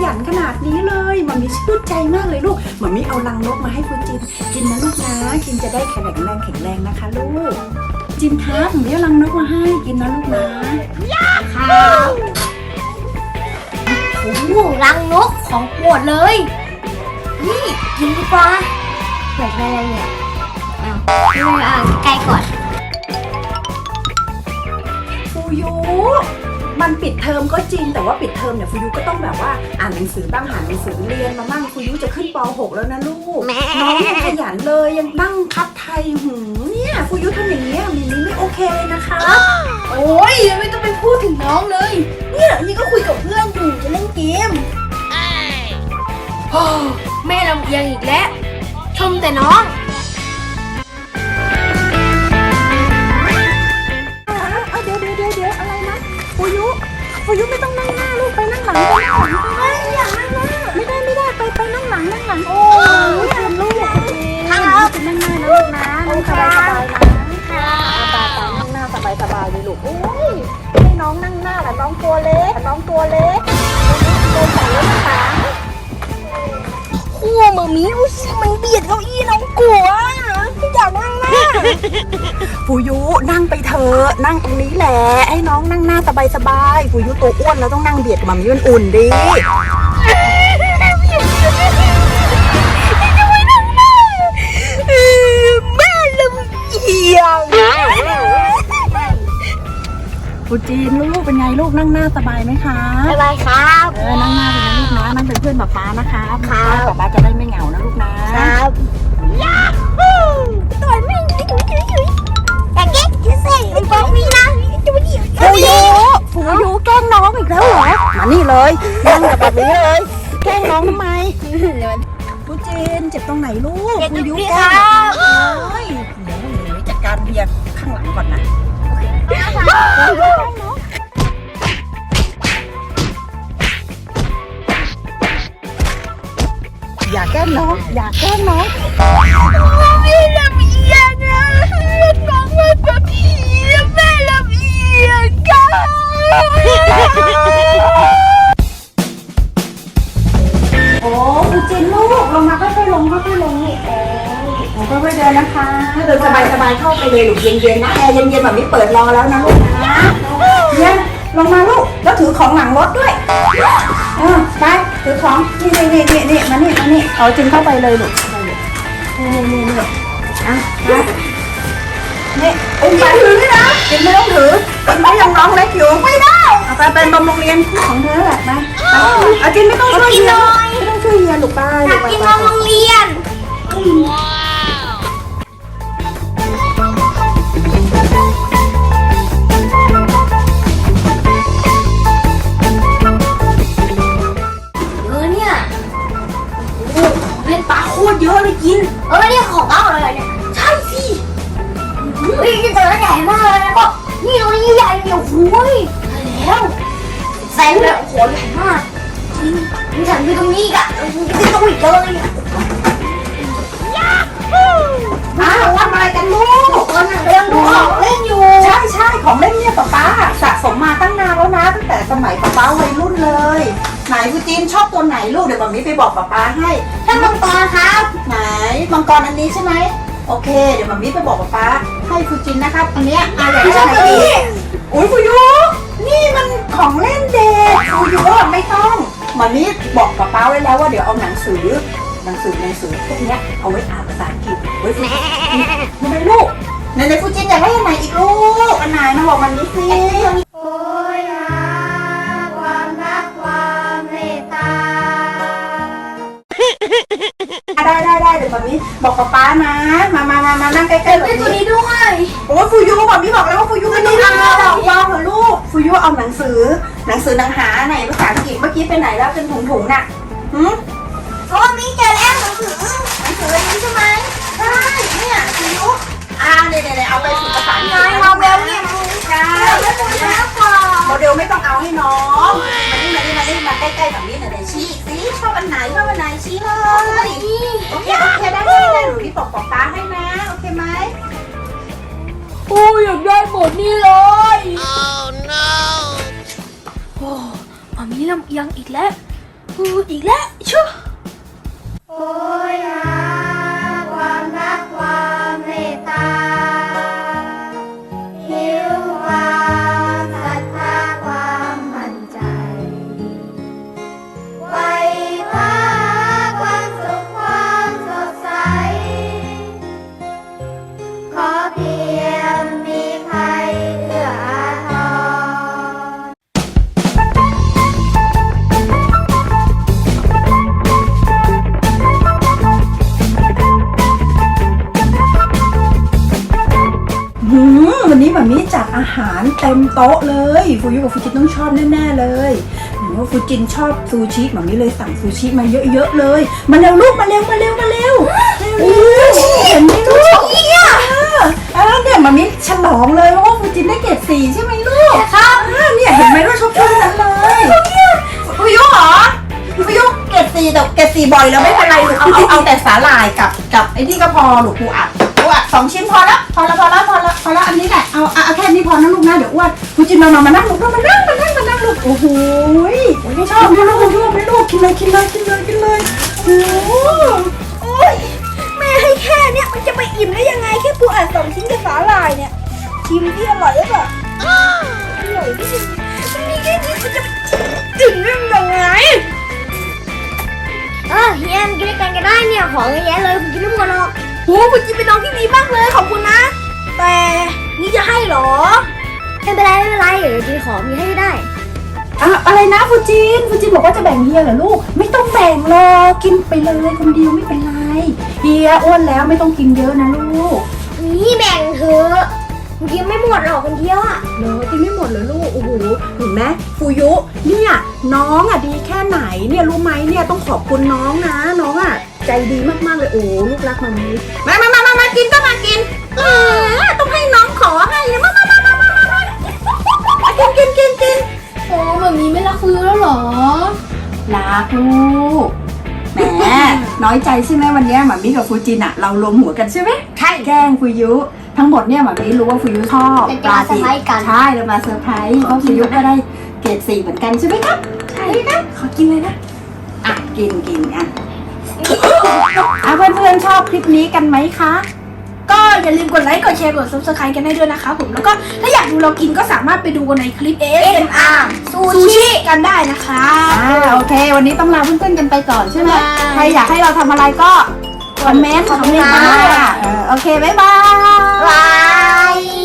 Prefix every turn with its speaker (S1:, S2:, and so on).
S1: ยันขนาดนี้เลยมัมมี่ชื่นใจมากเลยลูกมัมมี่เอารังนกมาให้ฟูจินกินนะลูกนะกินจะได้แข็งแรงนะคะลูกจินครับมัมมี่เอารังนกมาให้กินนะลูกนะครับ
S2: โอ้โหรังนกของโปรดเลยนี่กินดีกว่าเปิดอะไรเนี่ยใกล้ก่อน
S1: ฟูยูมันปิดเทอมก็จริงแต่ว่าปิดเทอมเนี่ยฟูยูก็ต้องแบบว่าอ่านหนังสือบ้างหาหนังสือเรียนมาบ้างฟูยูจะขึ้นป .6 แล้วนะลูกน้องยังขยันเลยยังนั่งคัดไทยเนี่ยฟูยูทำอย่างนี้มินนี่ไม่โอเคเลยนะคะ
S2: โอ้ยไม่ต้องไปพูดถึงน้องเลยเนี่ยนี่ก็คุยกับเพื่อนอยู่จะเล่นเกมแม่ลำเอียงอีกแล้วชมแต่น้อง
S1: เดี๋ยวอะไรนะฟูยุไม่ต้องนั่งหน้าลูกไปนั่งหลัง
S2: ไม่อยากนั่งหน้า
S1: ไม่ได้ไปนั่งหลังโอ้ยเตรียมลูกนั่งหน้านะลูกนะนั่งสบายนะนั่งหน้าสบายเลยลูกโอ้ยให้น้องนั่งหน้าแต่น้องตัวเล็กเดินใส่รถถัง
S2: ขั้วมามีดูสิมันเบียดเก้าอี้น้องกลัวไม่อยากนั่งหน้า
S1: ฟูยุนั่งไปเถอะนั่งตรงนี้แหละให้น้องนั่งหน้าสบายฟูยุตัวอ้วนแล้วต้องนั่งเบียดกับมัมมี่มันอุ่นดิ
S2: แม่ลำเอียง
S1: ฟูจีนลูกเป็นไงลูกนั่งหน้าสบายไหมคะ
S2: สบายครับ
S1: นั่งหน้าเป็นลูกนะนั่งเป็นเพื่อนป๊านะคะป๊าจะได้ไม่เหงานะลูกนะครับ
S2: ยาฮูตัวแม่แต่เก๊กจะเสกไอ้ป๊อกนี่นะจะมาเดี่ยว
S1: ฟูยุแกล้งน้องอีกแล้วเหรอมานี่เลยนั่งกับแบบนี้เลยแกล้งน้องทำไมฟูจีนเจ็บตรงไหนลูกฟูยุแกล้งโอ้ยเดี๋ยวจัดการเบียร์ข้างหลังก่อนนะอย่าแกล้งน้อง
S2: ไม่ลำเอียงนะน้องมันแบบผีแม่ลำเอียงกัน
S1: โอ้ฟูจินลูกลงมาค่อยๆลงนี่โอ้ค่อยๆเดินนะคะเดินสบายเข้าไปเลยลูกเย็นๆนะแอร์เย็นๆแบบนี้เปิดรอแล้วนะลูกนะเนี่ยลงมาลูกแล้วถือของหลังรถด้วยไปถือของนี่มานี่เอาจินเข้าไปเลยลูกนี่อ่ะนี่อุ้มไปถือด้วยนะจินไม่ต้องถือจินไม่ยังน้องเล็กอยู่ไม่ได้เอาไปเป็นบำรุงเรียนของเธอแหละนะเอาจินไม่ต้องช่วยเฮียลูกป้า
S2: อยากกินนมโรงเรียน
S1: โคตรเยอะเลยกิน
S2: เนี่ยของเต้าอะไรเนี่ยใช่สิเฮ้ยจะเจอใหญ่มากเลยนะก็นี่ตรงนี้ใหญ่เนี่ยโอ้ยแล้วแซงเลยโอ้โหใหญ่มากนี่ฉันไปตรงนี้อีกอะจะต้องอีกเลย
S1: ทำอะไรกันลูก
S2: เรื่องดูของเล่นอยู่
S1: ใช่ของเล่นเนี่ยป๊าสะสมมาตั้งนานแล้วนะตั้งแต่สมัยป๊าวัยรุ่นเลยไหนฟูจินชอบตัวไหนลูกเดี๋ยวแบบนี้ไปบอกป๊าให้
S2: ถ้ามังกรครับ
S1: ไหนมังกรอันนี้ใช่ไหมโอเคเดี๋ยวแบบนี้ไปบอกป๊าให้ฟูจินนะครับอันนี้อยากได้อะไรดีอุ้ยฟูยุนี่มันของเล่นเด็กฟูยุไม่ต้องแบบนี้บอกป๊าไว้แล้วว่าเดี๋ยวเอาหนังสือพวกนี้เอาไว้อ่านภาษาอังกฤษไว้ฝึกมันเป็นลูกในฟูจินอยากได้อันไหนอีกลูกอันไหนมาบอกมันนี้สิ
S2: โอ้ยความรักความเมตตา
S1: ได้เดี๋ยวแบบนี้บอกป๊านะมานั่งใกล้ๆแบบนี้
S2: ตัวนี้ด้วย
S1: โอ้ฟูยูแบบนี้บอกแล้วว่าฟูยูไม่ต้องเอาวางเถอะลูกฟูยูเอาหนังสือหนังหาไหนภาษาอังกฤษเมื่อกี้ไปไหนแล้วเป็นถุงน่ะ
S2: ก็มีเจอแล้วหนังสือนี้ใช่ไหม
S1: ใช่เนี่ยฟูยูเนี่ยเอาไปฝึกภาษาอังกฤษ
S2: โมเดลเนี่ย
S1: ใช่โมเดลไม่ต้องเอาให้น้องมาใกล้ๆแบบนี้หน่อยชี้สิชอบอันไหนชี้เลยโอเคได้หนูที่บอกป๊าให้นะโอเคไหม
S2: โอ้ยอยากได้หมดนี่เลย
S3: Oh no
S2: โอ้มามีลำเอียงอีกแล้วอีกแล้วชั่ว
S3: โอยหาความรักความเมตตาหิวความศรัทธาความมั่นใจไว้คว้าความสุขความสดใสขอเพียงมีใครเอื้ออาทร
S1: วันนี้แบบนี้จัดอาหารเต็มโต๊ะเลยฟูยุกับฟูจินต้องชอบแน่ๆเลยเห็นว่าฟูจินชอบซูชิแบบนี้เลยสั่งซูชิมาเยอะๆเลยมาเร็วลูกมาเร็วเร็วเห็นไหมลูกเนี่ยมามิฉลองเลยเพราะว่าฟูจินได้เกรด4ใช่ไหมลูกครับเนี่ยเห็นไหมว่าชอบช่วงนั้นเลยฟูยุเหรอฟูยุเกรด4แต่เกรด4บ่อยแล้วไม่เป็นไรลูกเอาแต่สาหร่ายกับไอ้นี่ก็พอลูกปูอัด2 ชิ้นพอแล้วอันนี้แหละเอาแค่นี้พอนะลูกนะเดี๋ยวอ้วนคุณจินมานั่งลูกมานั่งลูกโอ้โหชอบไหมลูกกินเลยโอ้ย
S2: แม่ให้แค่เนี้ยมันจะไปอิ่มได้ยังไงแค่ปูอัด2 ชิ้นกับสาหร่ายเนี่ยชิมที่อร่อยหรือเปล่าอร่อยที่สุดมันมีแค่นี้มันจะถึงได้ยังไงเฮียนกินด้วยกันก็ได้เนี่ยของเยอะแยะเลยผมกินไม่หมดหรอกโหคุณจินเป็นน้องที่ดีมากเลยขอบคุณนะแต่นี่จะให้เหรอไม่เป็นไรเดี๋ยวจีขอมีให้ได้
S1: อะไรนะฟูจินบอกว่าจะแบ่งเฮียเหรอลูกไม่ต้องแบ่งหรอกกินไปเลยคนเดียวไม่เป็นไรเฮียอ้วนแล้วไม่ต้องกินเยอะนะลูก
S2: นี่แบ่งเถอะกินไม่หมดหรอกคนเดียวอ่ะ
S1: เหรอกินไม่หมดเหรอลูกโอ้โหเห็นไหมฟูยุเนี่ยน้องดีแค่ไหนเนี่ยรู้ไหมเนี่ยต้องขอบคุณน้องนะน้องใจดีมากๆเลยโอ้ลูกรักมามีมากินก็มากินต้องให้น้องขอให้นะมากิน
S3: โอ้แบบนี้ไม่รักฟื้นแล้วเหรอ
S1: รักลูกแหมน้อยใจใช่ไหมวันนี้หมามิกับฟูจินเรารวมหัวกันใช่ไหมใช่แกล้งฟูยุทั้งหมดเนี่ยหมามิรู้ว่าฟูยุชอบปลาสีใช่เรามาเซอร์ไพรส์เพราะฟูยุก็ได้เกรด4เหมือนกันใช่ไหมครับใช่ครับขอกินเลยนะกินเพื่อนๆชอบคลิปนี้กันไหมคะ
S2: ก็อย่าลืมกดไลค์กดแชร์กด subscribe กันได้ด้วยนะคะผมแล้วก็ถ้าอยากดูเรากินก็สามารถไปดูกันในคลิป ASMR ซูชิกันได้นะคะ
S1: โอเค วันนี้ต้องลาเพื่อนๆกันไปก่อนใช่ไหมใครอยากให้เราทำอะไรก็คอมเมนต์มาโอเคบ๊ายบาย